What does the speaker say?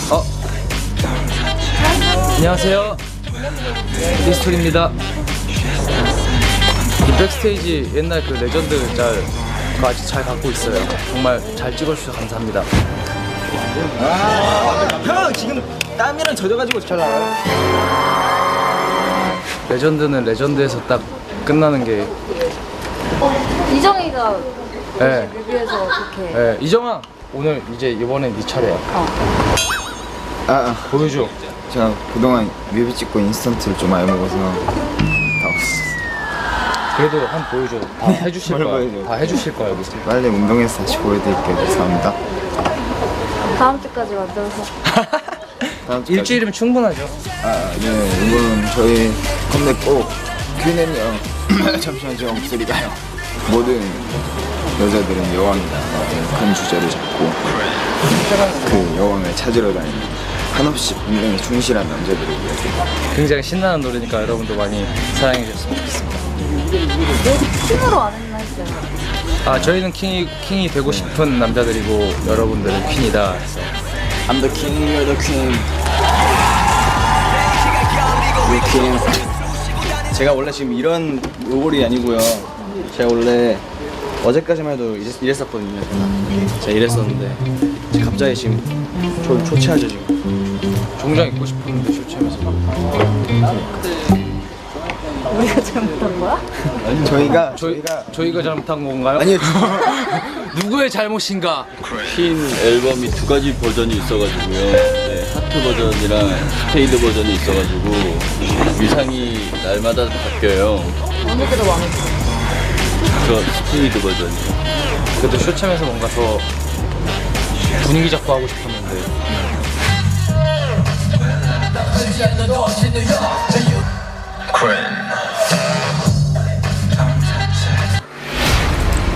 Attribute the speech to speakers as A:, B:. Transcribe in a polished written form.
A: 안녕하세요. 리스톨입니다. 이 백스테이지 옛날 그 레전드 짤 아직 잘 갖고 있어요. 정말 잘 찍어주셔서 감사합니다.
B: 형 지금 땀이랑 젖어가지고 잘 나와요.
A: 레전드는 레전드에서 딱 끝나는 게.
C: 이정이가
A: 네.
C: 뮤비에서 그렇게.
A: 네. 이정아 오늘 이제 이번엔 네 차례야. 보여줘.
D: 제가 그동안 뮤비 찍고 인스턴트를 좀 많이 먹어서
A: 그래도 한 보여줘. 다 해주실
D: 뭘
A: 거야.
D: 보여줘?
A: 다 해주실 거야 여기서.
D: 빨리 운동해서 다시 보여드릴게요. 감사합니다.
C: 다음 주까지 만들어서.
D: 다음 주까지.
A: 일주일이면 충분하죠.
D: 네, 이번 저희 컴백 꼭 큐넨요. 잠시만 제 목소리가요. 모든 여자들은 여왕이다. 큰 주제를 잡고 그 여왕을 찾으러 다니는 한없이 분명히 충실한 남자들을 위해서.
A: 굉장히 신나는 노래니까 여러분도 많이 사랑해 주셨으면 좋겠습니다.
C: 왜 킹으로 안 했나 했어요.
A: 아 저희는 킹이 되고 싶은 남자들이고 여러분들은 퀸이다. 그래서
D: I'm the king, you're the queen. You're king.
B: 제가 원래 지금 이런 로골이 아니고요. 제가 원래 어제까지만 해도 이랬었거든요. 제가 이랬었는데 갑자기 지금 저 초췌하죠 지금.
A: 종장 입고 싶었는데 쇼챔에서 막.
C: 우리가 잘못한 거야?
D: 저희가
A: 잘못한 건가요?
B: 아니요.
A: 누구의 잘못인가?
E: 퀸 앨범이 두 가지 버전이 있어가지고요. 네, 하트 버전이랑 스페이드 버전이 있어가지고 위상이 날마다 바뀌어요.
C: 어느 때가 마음에 들어?
E: 저 스페이드 버전이요.
A: 그래도 쇼챔에서 뭔가 더 분위기 잡고 하고 싶었는데.
F: Quinn.